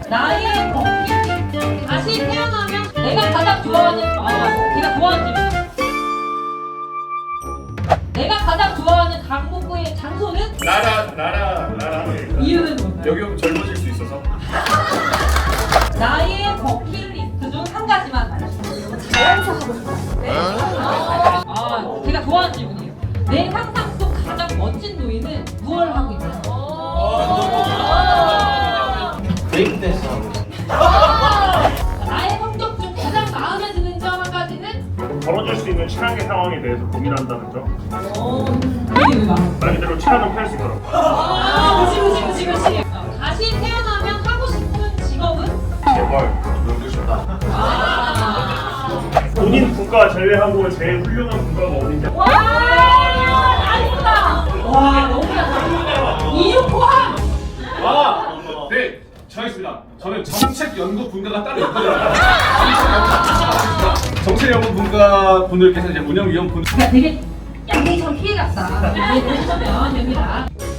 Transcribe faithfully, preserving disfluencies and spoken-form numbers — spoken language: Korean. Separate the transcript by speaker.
Speaker 1: 나의 버킷. 다시 태어나면 내가 가장 좋아하는 아 제가 좋아하는 집. 내가 가장 좋아하는 강북구의 장소는?
Speaker 2: 나라 나라 나라.
Speaker 1: 이유는 뭔가요?
Speaker 2: 여기 오면 젊어질 수 있어서.
Speaker 1: 나의 버킷리스트 중 한 가지만 말해주세요. 자연사 하고 싶어요. 네. 아, 아, 제가 좋아하는 질문이에요. 내 상상 속 가장 멋진 노인은 무얼 하고 있나요?
Speaker 3: 브레이크 댄스 하고 있어요.
Speaker 1: 나의 성격 중 가장 마음에 드는 점 한 가지는?
Speaker 2: 벌어질 수 있는 최악의 상황에 대해서 고민한다는 점.
Speaker 1: 어, 이게 왜 마음?
Speaker 2: 말 그대로 최악은 피할 수 있도록.
Speaker 1: 아, 그치, 그치, 그치, 그치. 어, 다시 태어나면 하고 싶은 직업은?
Speaker 2: 제발 놀고 싶다. 본인 국가 제외하고 제일 훌륭한 국가가 어딘지.
Speaker 1: 와, 나이스다. 와, 너무 잘한다. 이륙 포함.
Speaker 4: 아, 네, 정했습니다. 저는 정책연구분과가 따로 있거든요. 정책연구분과 분들께서 이제 운영위원분.
Speaker 1: 그러니까 되게 양이처럼 피해갔다. 이게 되시면 됩니다.